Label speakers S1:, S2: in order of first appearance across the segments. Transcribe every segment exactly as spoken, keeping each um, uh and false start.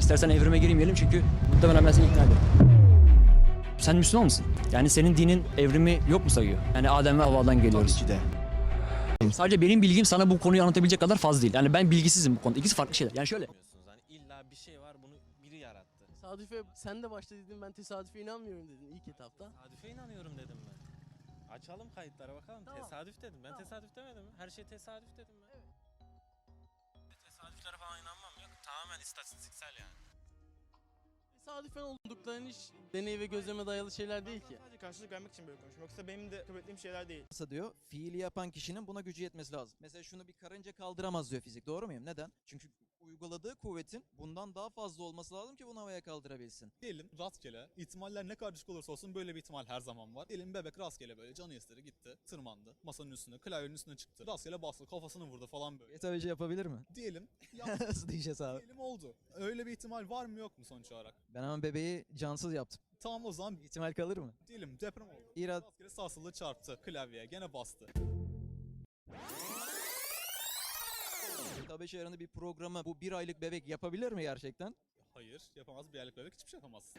S1: İstersen evrime girmeyelim çünkü muhtemelen ben seni ikna ederim. Sen Müslüman mısın? Yani senin dinin evrimi yok mu sayıyor? Yani Adem ve Havva'dan geliyoruz.
S2: Tabii ki de.
S1: Sadece benim bilgim sana bu konuyu anlatabilecek kadar fazla değil. Yani ben bilgisizim bu konuda. İkisi farklı şeyler. Yani şöyle.
S3: Hani illa bir şey var, bunu biri yarattı.
S4: Tesadüfe sen de başta dedin, ben tesadüfe inanmıyorum dedin ilk etapta.
S3: Tesadüfe inanıyorum dedim ben. Açalım kayıtlara bakalım.
S4: Tamam.
S3: Tesadüf dedim. Ben
S4: Tamam.
S3: tesadüf demedim mi? Her şey tesadüf dedim ben.
S4: Evet.
S3: Tesadüflere falan inanmam yok. Tamamen istatistiksel yani.
S4: Tesadüfen oldukların iş deney ve gözleme dayalı şeyler değil ki.
S5: Sadece karşılık vermek için böyle konuşuyorum. Yoksa benim de kabul ettiğim şeyler değil.
S2: Nasıl diyor? Fiili yapan kişinin buna gücü yetmesi lazım. Mesela şunu bir karınca kaldıramaz diyor fizik. Doğru muyum? Neden? Çünkü uyguladığı kuvvetin bundan daha fazla olması lazım ki bunu havaya kaldırabilsin.
S6: Diyelim rastgele, ihtimaller ne kadar düşük olursa olsun böyle bir ihtimal her zaman var. Diyelim bebek rastgele böyle canı istedi gitti, tırmandı, masanın üstüne, klavyenin üstüne çıktı. Rastgele bastı, kafasını vurdu falan böyle.
S2: Tabii şey yapabilir mi?
S6: Diyelim, yaptı,
S2: Nasıl diyeceğiz abi?
S6: diyelim oldu. Öyle bir ihtimal var mı yok mu sonuç olarak?
S2: Ben hemen bebeği cansız yaptım.
S6: Tamam o zaman
S2: İhtimal kalır mı?
S6: diyelim deprem oldu.
S2: İrad
S6: Rastgele sarsıldı çarptı klavyeye, gene bastı.
S2: G T A beş ayarında bir programı bu bir aylık bebek yapabilir mi gerçekten?
S6: Hayır, yapamaz bir aylık bebek hiçbir şey yapamaz.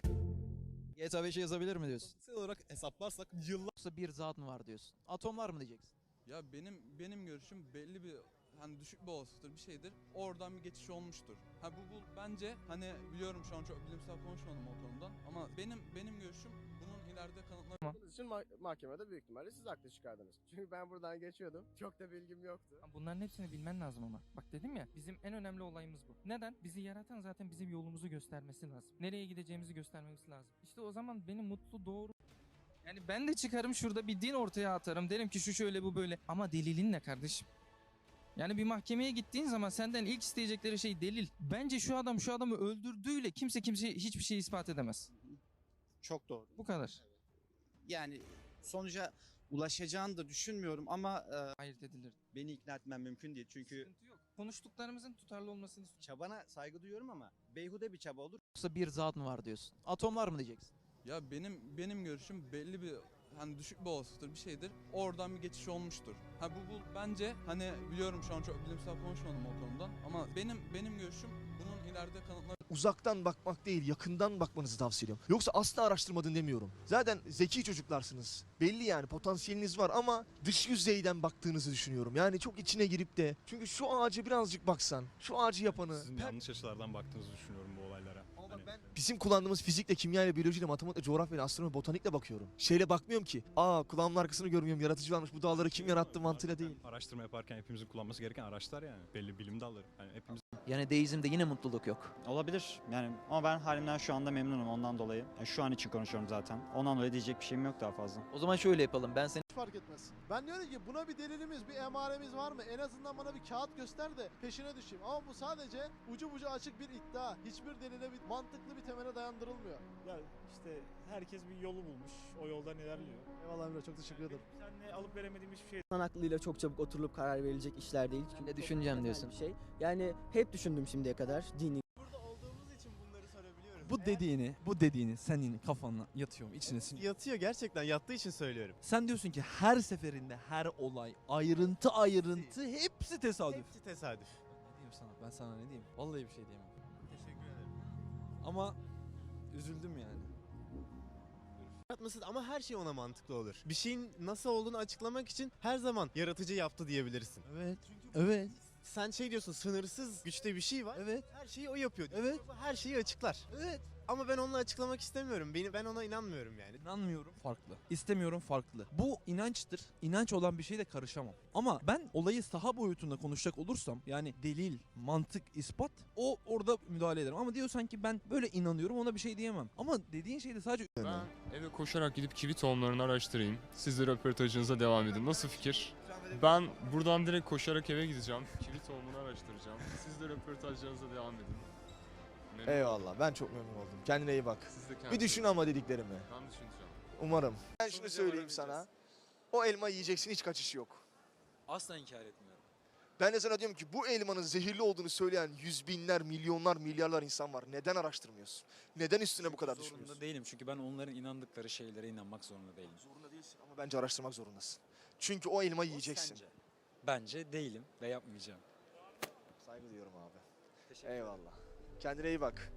S2: G T A beşe yazabilir mi diyorsun?
S6: Fiziksel olarak hesaplarsak yıllar
S2: Yoksa bir zat mı var diyorsun? Atomlar mı diyeceksin?
S7: Ya benim benim görüşüm belli bir hani düşük bir olasılıktır bir şeydir. Oradan bir geçiş olmuştur. Ha bu, bu bence hani biliyorum şu an çok bilimsel konuşmadım o konudan ama benim benim görüşüm bunun ileride kanıtlanacak.
S8: Bunun için ma- mahkemede büyük ihtimalle siz haklı çıkardınız. Çünkü ben buradan geçiyordum. Çok da bilgim yoktu.
S9: Bunların hepsini bilmen lazım ama. Bak dedim ya, bizim en önemli olayımız bu. Neden? Bizi yaratan zaten bizim yolumuzu göstermesi lazım. Nereye gideceğimizi göstermemiz lazım. İşte o zaman beni mutlu, doğru... Yani ben de çıkarım şurada bir din ortaya atarım. Derim ki şu şöyle bu böyle. Ama delilin ne kardeşim? Yani bir mahkemeye gittiğin zaman senden ilk isteyecekleri şey delil. Bence şu adam şu adamı öldürdüğüyle kimse kimseye hiçbir şey ispat edemez.
S10: Çok doğru.
S9: Bu kadar.
S10: Yani sonuca ulaşacağını da düşünmüyorum ama e,
S9: Hayır edilir.
S10: beni ikna etmem mümkün değil. Çünkü
S9: Sıkıntı yok. Konuştuklarımızın tutarlı olmasını istiyorum.
S10: çabana saygı duyuyorum ama beyhude bir çaba olur.
S2: Yoksa bir zat mı var diyorsun? Atomlar mı diyeceksin?
S7: Ya benim benim görüşüm belli bir hani düşük bir olasılıktır bir şeydir. Oradan bir geçiş olmuştur. Ha bu, bu bence hani biliyorum şu an çok bilimsel konuşmadım o konudan ama benim benim görüşüm bunun ileride kanıtlanacak.
S11: Uzaktan bakmak değil, yakından bakmanızı tavsiye ediyorum. Yoksa asla araştırmadın demiyorum. Zaten zeki çocuklarsınız. Belli yani potansiyeliniz var ama dış yüzeyden baktığınızı düşünüyorum. Yani çok içine girip de çünkü şu ağacı birazcık baksan, şu ağacı yapanı.
S6: Sizin yanlış açılardan baktığınızı düşünüyorum bu olaylara.
S11: Ama bak
S6: Hani-
S11: ben bizim kullandığımız fizikle, kimyayla, biyolojiyle, matematikle, coğrafyayla, astronomi, botanikle bakıyorum. Şeyle bakmıyorum ki. Aa kulağımın arkasını görmüyorum, yaratıcı varmış. Bu dağları kim yarattı mantığıyla değil.
S6: Araştırma yaparken hepimizin kullanması gereken araçlar yani. Belli bilim dalları. Yani hepimiz
S2: Yani deizmde yine mutluluk yok.
S10: Olabilir yani ama ben halimden şu anda memnunum ondan dolayı. Yani şu an için konuşuyorum zaten. Ondan dolayı diyecek bir şeyim yok daha fazla.
S2: O zaman şöyle yapalım. Ben seni
S8: Hiç fark etmez. Ben diyorum ki buna bir delilimiz, bir emaremiz var mı? En azından bana bir kağıt göster de peşine düşeyim. Ama bu sadece ucu bucu açık bir iddia. Hiçbir delile, bir mantıklı bir temele dayandırılmıyor.
S5: Ya işte herkes bir yolu bulmuş. O yoldan ilerliyor.
S8: Eyvallah Emre, çok teşekkür ederim.
S5: Seninle alıp veremediğim hiçbir şey
S12: İnsan aklıyla çok çabuk oturulup karar verilecek işler değil.
S2: Ben de düşüneceğim diyorsun.
S12: Bir şey. Yani hep düşündüm şimdiye kadar dini.
S8: Burada olduğumuz için bunları sorabiliyorum.
S13: Bu dediğini, bu dediğini senin kafana yatıyor mu, içine siniyor?
S8: Yatıyor, gerçekten yattığı için söylüyorum.
S13: Sen diyorsun ki her seferinde her olay, ayrıntı ayrıntı hepsi tesadüf.
S8: Hepsi tesadüf.
S13: Ne diyeyim sana? Ben sana ne diyeyim? Vallahi bir şey diyemem.
S8: Teşekkür ederim.
S13: Ama üzüldüm yani.
S8: Yaratması ama her şey ona mantıklı olur. Bir şeyin nasıl olduğunu açıklamak için her zaman yaratıcı yaptı diyebilirsin.
S13: Evet. Evet.
S8: Sen şey diyorsun, sınırsız güçte bir şey var.
S13: Evet.
S8: Her şeyi o yapıyor diyorsun.
S13: Evet.
S8: Bu her şeyi açıklar.
S13: Evet.
S8: Ama ben onunla açıklamak istemiyorum. Beni ben ona inanmıyorum yani.
S13: İnanmıyorum farklı. İstemiyorum farklı. Bu inançtır. İnanç olan bir şeyle karışamam. Ama ben olayı saha boyutunda konuşacak olursam yani delil, mantık, ispat o orada müdahale ederim. Ama diyorsan ki ben böyle inanıyorum ona bir şey diyemem. Ama dediğin şey de sadece
S14: Ben eve koşarak gidip kivi tohumlarını araştırayım. Siz de röportajınıza devam edin. Nasıl fikir? Ben buradan direkt koşarak eve gideceğim. Kivi tohumunu araştıracağım. Siz de röportajlarınıza devam edin. Memnun
S11: Eyvallah. Ben çok memnun oldum. Kendine iyi bak.
S14: Siz de
S11: Bir
S14: kendinize-
S11: düşün ama dediklerimi.
S14: Ben düşüneceğim.
S11: Umarım. Ben şunu
S14: Sonuca
S11: söyleyeyim
S14: varabileceğiz.
S11: sana. O elma yiyeceksin, hiç kaçış yok.
S2: asla inkar etmiyorum.
S11: Ben de sana diyorum ki bu elmanın zehirli olduğunu söyleyen yüz binler, milyonlar, milyarlar insan var. Neden araştırmıyorsun? Neden üstüne bu kadar düşünüyorsun?
S10: Zorunda değilim çünkü ben onların inandıkları şeylere inanmak zorunda değilim.
S11: Zorunda değilsin ama bence araştırmak zorundasın. Çünkü o elmayı yiyeceksin.
S10: Sence? Bence değilim ve yapmayacağım.
S11: Saygı duyuyorum abi. Eyvallah. Kendine iyi bak.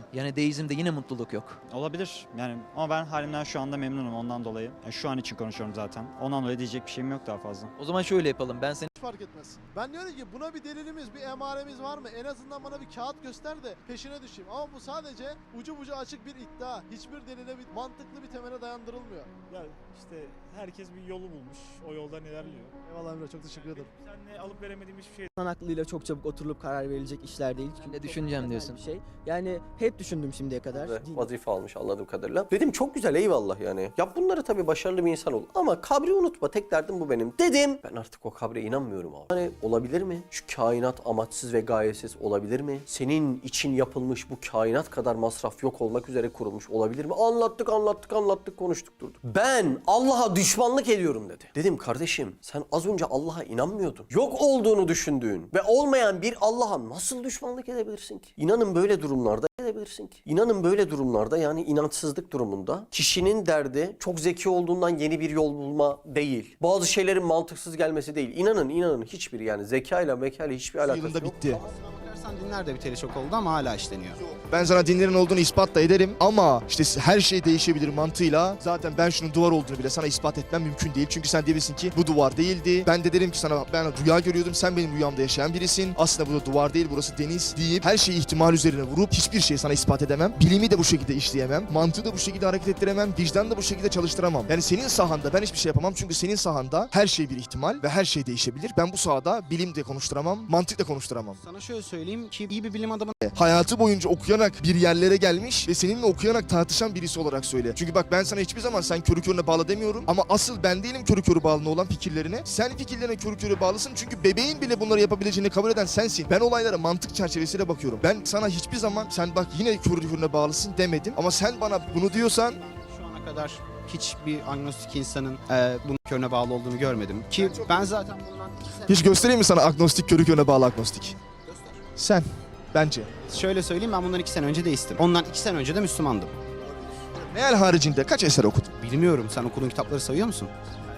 S2: Yani deizmde yine mutluluk yok.
S10: Olabilir yani ama ben halimden şu anda memnunum ondan dolayı. Yani şu an için konuşuyorum zaten. Ondan dolayı diyecek bir şeyim yok daha fazla.
S2: O zaman şöyle yapalım. Ben seni
S8: Hiç fark etmez. Ben diyorum ki buna bir delilimiz, bir emaremiz var mı? En azından bana bir kağıt göster de peşine düşeyim. Ama bu sadece ucu bucu açık bir iddia. Hiçbir delile, bir mantıklı bir temele dayandırılmıyor.
S5: Ya işte herkes bir yolu bulmuş. O yoldan ilerliyor.
S8: Eyvallah Emre, çok teşekkür ederim.
S5: Seninle alıp veremediğim hiçbir şey.
S12: İnsan aklıyla çok çabuk oturulup karar verilecek işler değil. Çünkü
S2: ne
S12: çok
S2: düşüneceğim
S12: temel
S2: diyorsun.
S12: Bir şey. Yani hep düşündüm şimdiye kadar.
S15: Ve
S12: Din-
S15: vazife almış anladığım kadarıyla. Dedim çok güzel eyvallah yani. Yap bunları tabii başarılı bir insan ol. Ama kabri unutma tek derdim bu benim. Dedim ben artık o kabre inanmıyorum abi. Hani olabilir mi? Şu kainat amaçsız ve gayesiz olabilir mi? Senin için yapılmış bu kainat kadar masraf yok olmak üzere kurulmuş olabilir mi? Anlattık anlattık anlattık konuştuk durduk. Ben Allah'a düşmanlık ediyorum dedi. Dedim kardeşim sen az önce Allah'a inanmıyordun. Yok olduğunu düşündüğün ve olmayan bir Allah'a nasıl düşmanlık edebilirsin ki? İnanın böyle durumlarda edebilirsin ki. İnanın böyle durumlarda yani inançsızlık durumunda kişinin derdi çok zeki olduğundan yeni bir yol bulma değil. Bazı şeylerin mantıksız gelmesi değil. İnanın inanın hiçbir yani zekayla mekayla hiçbir alakası
S11: Yılında
S15: yok.
S11: bitti.
S16: Dinler de biteli çok oldu ama hala işleniyor.
S11: Ben sana dinlerin olduğunu ispat da ederim ama işte her şey değişebilir mantığıyla. Zaten ben şunun duvar olduğunu bile sana ispat etmem mümkün değil. Çünkü sen diyebilirsin ki bu duvar değildi. Ben de derim ki sana ben rüya görüyordum. Sen benim rüyamda yaşayan birisin. Aslında bu da duvar değil, burası deniz deyip her şeyi ihtimal üzerine vurup hiçbir şeyi sana ispat edemem. Bilimi de bu şekilde işleyemem. Mantığı da bu şekilde hareket ettiremem. Vicdanı da bu şekilde çalıştıramam. Yani senin sahanda ben hiçbir şey yapamam. Çünkü senin sahanda her şey bir ihtimal ve her şey değişebilir. Ben bu sahada bilim de konuşturamam, mantık da konuşturamam.
S16: Sana şöyle söyleyeyim ki iyi bir bilim adamı
S11: Hayatı boyunca okuyarak bir yerlere gelmiş ve seninle okuyarak tartışan birisi olarak söyle. Çünkü bak ben sana hiçbir zaman sen körü körüne bağlı demiyorum ama asıl ben değilim körü körü bağlı olan fikirlerine. Sen fikirlerine körü körü bağlısın çünkü bebeğin bile bunları yapabileceğini kabul eden sensin. Ben olaylara mantık çerçevesiyle bakıyorum. Ben sana hiçbir zaman sen bak yine körü körüne bağlısın demedim ama sen bana bunu diyorsan
S16: şu ana kadar hiçbir agnostik insanın e, bunun körüne bağlı olduğunu görmedim. Ki ben zaten bundan iki sene...
S11: hiç göstereyim mi sana agnostik körü körüne bağlı agnostik?
S16: Göster.
S11: Sen. Bence.
S16: Şöyle söyleyeyim ben bundan iki sene önce deistim. Ondan iki sene önce de Müslümandım.
S11: Meal haricinde kaç eser okudun?
S16: Bilmiyorum. Sen okuduğun kitapları sayıyor musun?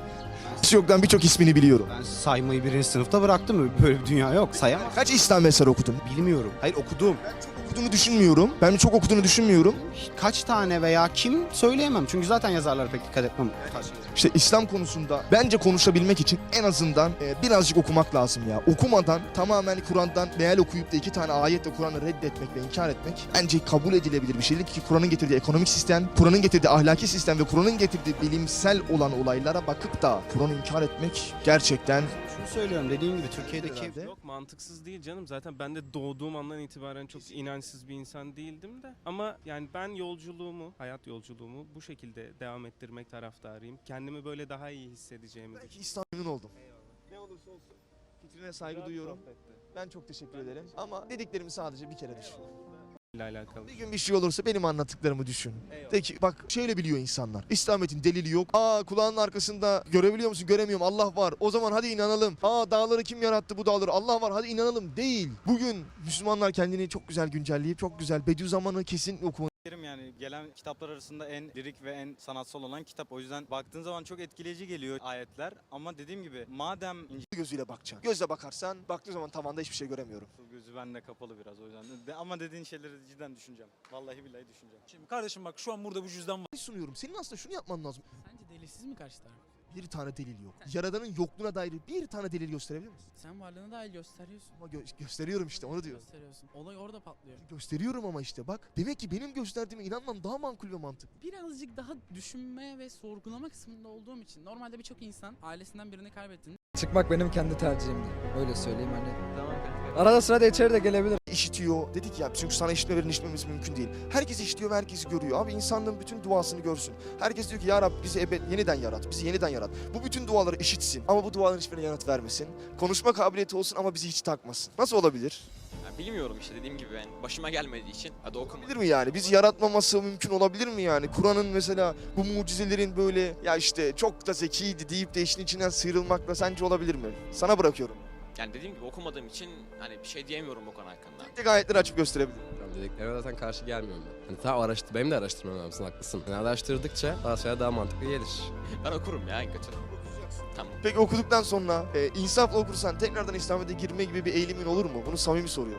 S11: Hiç yoktan birçok ismini biliyorum.
S16: Ben saymayı birinci sınıfta bıraktım. Böyle bir dünya yok. Sayamam.
S11: Kaç İslam eseri okudun?
S16: Bilmiyorum. Hayır okudum.
S11: Okuduğunu düşünmüyorum. Ben çok okuduğunu düşünmüyorum.
S16: Kaç tane veya kim söyleyemem. Çünkü zaten yazarlara pek dikkat etmem.
S11: İşte İslam konusunda bence konuşabilmek için en azından e, birazcık okumak lazım ya. Okumadan tamamen Kur'an'dan meal okuyup da iki tane ayetle Kur'an'ı reddetmek ve inkar etmek bence kabul edilebilir bir şeydir ki Kur'an'ın getirdiği ekonomik sistem, Kur'an'ın getirdiği ahlaki sistem ve Kur'an'ın getirdiği bilimsel olan olaylara bakıp da Kur'an'ı inkar etmek gerçekten...
S16: Şunu söylüyorum dediğim gibi Türkiye'deki...
S3: Yok mantıksız değil canım. Zaten ben de doğduğum andan itibaren çok inançsız bir insan değildim de. Ama yani ben yolculuğumu, hayat yolculuğumu bu şekilde devam ettirmek taraftarıyım. Kendimi böyle daha iyi hissedeceğimi
S11: Belki İslam memnun oldum. Ne olursa olsun fikrine saygı duyuyorum. Ben çok teşekkür ederim. Ama dediklerimi sadece bir kere düşün.
S3: ile alakalı.
S11: Bir gün bir şey olursa benim anlattıklarımı düşün. De ki bak şöyle biliyor insanlar. İslamiyet'in delili yok. Aa kulağının arkasında görebiliyor musun? Göremiyorum. Allah var. O zaman hadi inanalım. Aa dağları kim yarattı bu dağları? Allah var. Hadi inanalım. Değil. Bugün Müslümanlar kendini çok güzel güncelleyip çok güzel Bediüzzaman'ı kesin okumalı.
S17: Yani gelen kitaplar arasında en lirik ve en sanatsal olan kitap. O yüzden baktığın zaman çok etkileyici geliyor ayetler. Ama dediğim gibi madem
S11: gözüyle bakacaksın. Gözle bakarsan baktığın zaman tavanda hiçbir şey göremiyorum.
S17: gözü bende kapalı biraz o yüzden. De- ama dediğin şeyleri cidden düşüneceğim. Vallahi billahi düşüneceğim.
S18: Şimdi kardeşim bak şu an burada bu cüzdan var.
S11: Sunuyorum. Senin aslında şunu yapman lazım.
S4: Sence delilsiz mi karşı taraf?
S11: Bir tane delil yok. Yaradanın yokluğuna dair bir tane delil gösterebilir misin?
S4: Sen varlığını dahil gösteriyorsun.
S11: Ama gö- gösteriyorum işte onu diyor.
S4: Gösteriyorsun. Olay orada patlıyor.
S11: Gösteriyorum ama işte bak. Demek ki benim gösterdiğime inanmam daha makul ve mantıklı.
S4: Birazcık daha düşünme ve sorgulama kısmında olduğum için. Normalde birçok insan ailesinden birini kaybettiğinde
S19: Çıkmak benim kendi tercihimdi. Öyle söyleyeyim hani. Arada sırada içeri de gelebilir.
S11: İşitiyor. Dedik ya çünkü sana işitmelerin işitmemiz mümkün değil. Herkes işitiyor ve herkes görüyor. Abi insanlığın bütün duasını görsün. Herkes diyor ki ya Rab bizi ebed yeniden yarat. Bizi yeniden yarat. Bu bütün duaları işitsin. Ama bu duaların hiçbirine yanıt vermesin. Konuşma kabiliyeti olsun ama bizi hiç takmasın. Nasıl olabilir?
S20: Ya bilmiyorum işte dediğim gibi yani başıma gelmediği için hadi okuma.
S11: Olabilir mi yani? Bizi yaratmaması mümkün olabilir mi yani? Kur'an'ın mesela bu mucizelerin böyle ya işte çok da zekiydi deyip de işin içinden sıyrılmakla sence olabilir mi? Sana bırakıyorum.
S20: Yani dediğim gibi okumadığım için hani bir şey diyemiyorum o konu hakkında.
S11: Tek ayetleri açıp gösterebilirim.
S21: Dediklerine zaten karşı gelmiyorum ben. Hani tamam araştır, benim de araştırmam lazım haklısın. Yani araştırdıkça daha sonra daha mantıklı gelir.
S20: Ben okurum ya en kötü. Tamam.
S11: Peki okuduktan sonra e, insafla okursan tekrardan İslamiyet'e girme gibi bir eğilimin olur mu? Bunu samimi soruyorum.
S20: Yani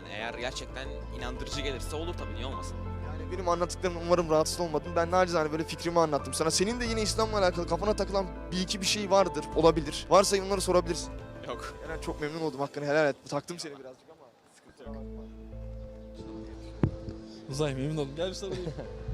S20: eğer gerçekten inandırıcı gelirse olur tabii, niye olmasın?
S11: Yani benim anlattıklarım umarım rahatsız olmadın. Ben nacizane böyle fikrimi anlattım sana. Senin de yine İslam'la alakalı kafana takılan bir iki bir şey vardır, olabilir. Varsa onları sorabilirsin.
S20: Yok.
S11: Yani çok memnun oldum, hakkını helal et. Taktım seni birazcık ama sıkıntı yok.
S13: Uzay memnun oldum. Gel bir sarılayım.